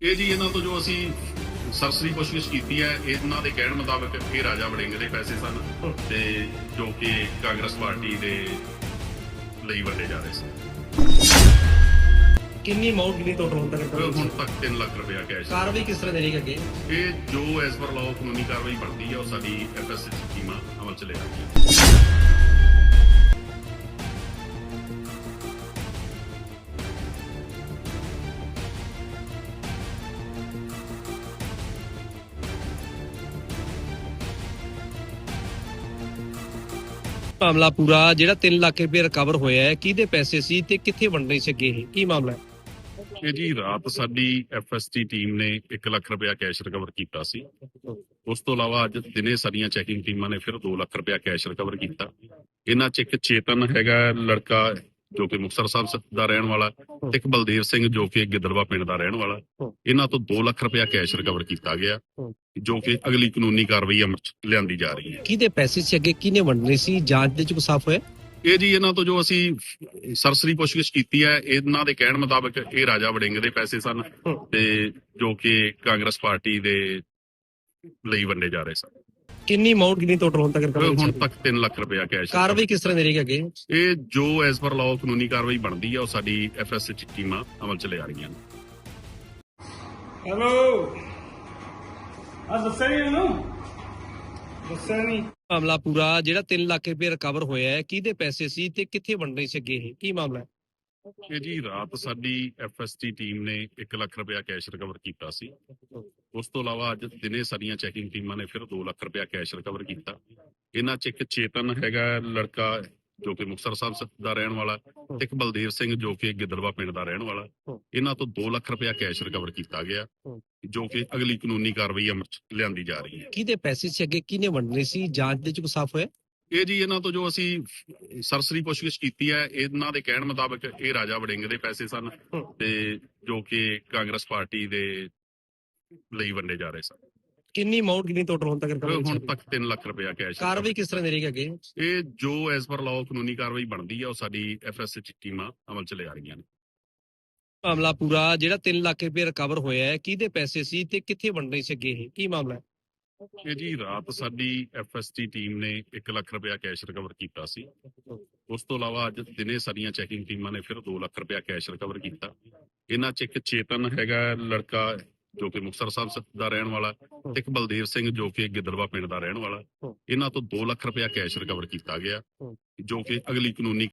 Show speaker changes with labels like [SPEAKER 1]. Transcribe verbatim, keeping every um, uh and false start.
[SPEAKER 1] ਇਹ ਜੀ ਇਹਨਾਂ ਤੋਂ ਜੋ ਅਸੀਂ ਸਰਸਰੀ ਪੁੱਛਗਿੱਛ ਕੀਤੀ ਹੈ, ਇਹਨਾਂ ਦੇ ਕਹਿਣ ਮੁਤਾਬਕ ਇਹ ਰਾਜਾ ਵੜਿੰਗ ਦੇ ਪੈਸੇ ਸਨ ਤੇ ਜੋ ਕਿ ਕਾਂਗਰਸ ਪਾਰਟੀ ਦੇ ਲਈ ਵੰਡੇ ਜਾ ਰਹੇ ਸਨ।
[SPEAKER 2] ਕਿੰਨੀ ਅਮਾਉਂਟ ਕਿੰਨੀ ਟੋਟਲ ਹੁਣ ਤੱਕ
[SPEAKER 1] ਹੁਣ ਤੱਕ ਤਿੰਨ ਲੱਖ ਰੁਪਇਆ ਕੈਸ਼।
[SPEAKER 2] ਕਾਰਵਾਈ ਕਿਸ ਤਰ੍ਹਾਂ ਦੇਣੀ ਅੱਗੇ?
[SPEAKER 1] ਇਹ ਜੋ ਐਸ ਪਰ ਲਾਅ ਕਾਨੂੰਨੀ ਕਾਰਵਾਈ ਬਣਦੀ ਹੈ ਉਹ ਸਾਡੀ ਐਫ ਐਸ ਐਚ ਟੀਮਾਂ ਅਮਲ ਚ ਲੈ ਆਉਂਦੀਆਂ।
[SPEAKER 2] ਮਾਮਲਾ ਪੂਰਾ ਜਿਹੜਾ ਤਿੰਨ ਲੱਖ ਰੁਪਏ ਰਿਕਵਰ ਹੋਇਆ ਹੈ, ਕਿਹਦੇ ਪੈਸੇ ਸੀ ਤੇ ਕਿੱਥੇ ਵੰਡਣੇ ਸੀ ਅੱਗੇ? ਇਹ ਕੀ ਮਾਮਲਾ ਹੈ?
[SPEAKER 1] ਇਹ ਜੀ ਰਾਤ ਸਾਡੀ ਐਫ ਐਸ ਟੀ ਟੀਮ ਨੇ ਇੱਕ ਲੱਖ ਰੁਪਇਆ ਕੈਸ਼ ਰਿਕਵਰ ਕੀਤਾ ਸੀ। ਉਸ ਤੋਂ ਇਲਾਵਾ ਅੱਜ ਦਿਨੇ ਸਾਡੀਆਂ ਚੈਕਿੰਗ ਟੀਮਾਂ ਨੇ ਫਿਰ ਦੋ ਲੱਖ ਰੁਪਇਆ ਕੈਸ਼ ਰਿਕਵਰ ਕੀਤਾ। ਇਹਨਾਂ 'ਚ ਇੱਕ ਚੇਤਨ ਹੈਗਾ ਲੜਕਾ ਜੋ ਕਿ ਮੁਕਤਸਰ ਸਾਹਿਬ ਦਾ ਰਹਿਣ ਵਾਲਾ, ਇੱਕ ਬਲਦੇਵ ਸਿੰਘ ਜੋ ਕਿ ਗਿੱਦੜਵਾ ਪਿੰਡ ਦਾ ਰਹਿਣ ਵਾਲਾ। ਇਹਨਾਂ ਤੋਂ ਦੋ ਲੱਖ ਰੁਪਇਆ ਕੈਸ਼ ਰਿਕਵਰ ਕੀਤਾ ਗਿਆ ਜੋ ਕਿ ਅਗਲੀ ਕਾਨੂੰਨੀ ਕਾਰਵਾਈ ਅਮਲ 'ਚ ਲਿਆਂਦੀ ਜਾ ਰਹੀ ਹੈ।
[SPEAKER 2] ਕਿਹਦੇ ਪੈਸੇ ਸੀ ਅੱਗੇ, ਕਿਹਨੇ ਵੰਡਣੇ ਸੀ? ਜਾਂਚ ਦੇ ਵਿੱਚ ਸਾਫ਼ ਹੋਇਆ?
[SPEAKER 1] ਇਹ ਜੀ ਇਹਨਾਂ ਤੋਂ ਜੋ ਅਸੀਂ ਸਰਸਰੀ ਪੁੱਛਗਿੱਛ ਕੀਤੀ ਹੈ, ਇਹਨਾਂ ਦੇ ਕਹਿਣ ਮੁਤਾਬਕ ਇਹ ਰਾਜਾ ਵੜਿੰਗ ਦੇ ਪੈਸੇ ਸਨ ਤੇ ਜੋ ਕਿ ਕਾਂਗਰਸ ਪਾਰਟੀ ਦੇ ਲਈ ਵੰਡੇ ਜਾ ਰਹੇ ਸਨ।
[SPEAKER 2] ਕਿੰਨੀ ਅਮਾਉਂਟ ਕਿੰਨੀ ਟੋਟਲ ਹੁਣ ਤੱਕ?
[SPEAKER 1] ਹੁਣ ਤੱਕ ਤਿੰਨ ਲੱਖ ਰੁਪਇਆ ਕੈਸ਼।
[SPEAKER 2] ਕਾਰਵਾਈ ਕਿਸ ਤਰ੍ਹਾਂ ਦੇਣੀ ਅੱਗੇ?
[SPEAKER 1] ਇਹ ਜੋ ਐਸ ਪਰ ਲਾਅ ਕਾਨੂੰਨੀ ਕਾਰਵਾਈ ਬਣਦੀ ਹੈ ਉਹ ਸਾਡੀ ਐਫ ਐਸ ਐਚ ਟੀਮਾਂ ਅਮਲ ਚ ਲੈ ਆ ਰਹੀਆਂ ਨੇ।
[SPEAKER 3] ਹੈਲੋ ਆ ਦੱਸਿਆ ਨਹੀਂ ਉਹਨੂੰ ਦੱਸਿਆ ਨਹੀਂ।
[SPEAKER 2] ਮਾਮਲਾ ਪੂਰਾ ਜਿਹੜਾ ਤਿੰਨ ਲੱਖ ਰੁਪਏ ਰਿਕਵਰ ਹੋਇਆ ਹੈ, ਕਿਹਦੇ ਪੈਸੇ ਸੀ ਤੇ ਕਿੱਥੇ ਵੰਡਣੇ ਸੀ ਅੱਗੇ? ਇਹ ਕੀ ਮਾਮਲਾ ਹੈ?
[SPEAKER 1] ਇਹ ਜੀ ਰਾਤ ਸਾਡੀ ਐਫ ਐਸ ਟੀ ਟੀਮ ਨੇ ਇੱਕ ਲੱਖ ਰੁਪਇਆ ਕੈਸ਼ ਰਿਕਵਰ ਕੀਤਾ ਸੀ। ਉਸ ਤੋਂ ਇਲਾਵਾ ਅੱਜ ਦਿਨੇ ਸਾਡੀਆਂ ਚੈਕਿੰਗ ਟੀਮਾਂ ਨੇ ਫਿਰ ਦੋ ਲੱਖ ਰੁਪਇਆ ਕੈਸ਼ ਰਿਕਵਰ ਕੀਤਾ। ਇਹਨਾਂ 'ਚ ਇੱਕ ਚੇਤਨ ਹੈਗਾ ਲੜਕਾ ਜੋ ਕਿ ਮੁਕਤਸਰ ਸਾਹਿਬ ਦਾ ਰਹਿਣ ਵਾਲਾ, ਇੱਕ ਬਲਦੇਵ ਸਿੰਘ ਜੋ ਕਿ ਗਿੱਦੜਵਾ ਪਿੰਡ ਦਾ ਰਹਿਣ ਵਾਲਾ। ਇਹਨਾਂ ਤੋਂ ਦੋ ਲੱਖ ਰੁਪਇਆ ਕੈਸ਼ ਰਿਕਵਰ ਕੀਤਾ ਗਿਆ ਜੋ ਕਿ ਅਗਲੀ ਕਾਨੂੰਨੀ ਕਾਰਵਾਈ ਅਮਲ 'ਚ ਲਿਆਂਦੀ ਜਾ ਰਹੀ ਹੈ।
[SPEAKER 2] ਕਿਹਦੇ ਪੈਸੇ ਸੀ ਅੱਗੇ, ਕਿਹਨੇ ਵੰਡਣੇ ਸੀ? ਜਾਂਚ ਦੇ ਵਿੱਚ ਸਾਫ਼ ਹੋਇਆ?
[SPEAKER 1] ਇਹ ਜੀ ਇਹਨਾਂ ਤੋਂ ਜੋ ਅਸੀਂ ਸਰਸਰੀ ਪੁੱਛਗਿੱਛ ਕੀਤੀ ਹੈ, ਇਹਨਾਂ ਦੇ ਕਹਿਣ ਮੁਤਾਬਕ ਇਹ ਰਾਜਾ ਵੜਿੰਗ ਦੇ ਪੈਸੇ ਸਨ ਤੇ ਜੋ ਕਿ ਕਾਂਗਰਸ ਪਾਰਟੀ ਦੇ ਲਈ ਵੰਡੇ ਜਾ ਰਹੇ ਸਨ।
[SPEAKER 2] ਕਿੰਨੀ ਅਮਾਉਂਟ ਕਿੰਨੀ ਟੋਟਲ ਹੁਣ ਤੱਕ?
[SPEAKER 1] ਹੁਣ ਤੱਕ ਤਿੰਨ ਲੱਖ ਰੁਪਇਆ ਕੈਸ਼।
[SPEAKER 2] ਕਾਰਵਾਈ ਕਿਸ ਤਰ੍ਹਾਂ ਦੇਣੀ ਅੱਗੇ?
[SPEAKER 1] ਇਹ ਜੋ ਐਸ ਪਰ ਲਾਅ ਕਾਨੂੰਨੀ ਕਾਰਵਾਈ ਬਣਦੀ ਹੈ ਉਹ ਸਾਡੀ ਐਫ ਐਸ ਐਚ ਟੀਮਾਂ ਅਮਲ ਚ ਲੈ ਆ ਰਹੀਆਂ ਨੇ।
[SPEAKER 2] ਮਾਮਲਾ ਪੂਰਾ ਜਿਹੜਾ ਤਿੰਨ ਲੱਖ ਰੁਪਏ ਰਿਕਵਰ ਹੋਇਆ ਹੈ, ਕਿਹਦੇ ਪੈਸੇ ਸੀ ਤੇ ਕਿੱਥੇ ਵੰਡਣੇ ਸੀ ਅੱਗੇ? ਇਹ ਕੀ ਮਾਮਲਾ ਹੈ?
[SPEAKER 1] ਇਹ ਜੀ ਰਾਤ ਸਾਡੀ ਐਫ ਐਸ ਟੀ ਟੀਮ ਨੇ ਇੱਕ ਲੱਖ ਰੁਪਇਆ ਕੈਸ਼ ਰਿਕਵਰ ਕੀਤਾ ਸੀ। ਉਸ ਤੋਂ ਇਲਾਵਾ ਅੱਜ ਦਿਨੇ ਸਾਡੀਆਂ ਚੈਕਿੰਗ ਟੀਮਾਂ ਨੇ ਫਿਰ ਦੋ ਲੱਖ ਰੁਪਇਆ ਕੈਸ਼ ਰਿਕਵਰ ਕੀਤਾ। ਇਹਨਾਂ 'ਚ ਇੱਕ ਚੇਤਨ ਹੈਗਾ ਲੜਕਾ ਜੋ ਕਿ ਮੁਕਤਸਰ ਸਾਹਿਬ ਦਾ ਰਹਿਣ ਵਾਲਾ, ਇੱਕ ਬਲਦੇਵ ਸਿੰਘ ਜੋ ਕਿ ਗਿੱਦੜਵਾ ਪਿੰਡ ਦਾ ਰਹਿਣ ਵਾਲਾ। ਇਹਨਾਂ ਤੋਂ ਦੋ ਲੱਖ ਰੁਪਇਆ ਕੈਸ਼ ਰਿਕਵਰ ਕੀਤਾ ਗਿਆ ਜੋ ਕਿ ਅਗਲੀ ਕਾਨੂੰਨੀ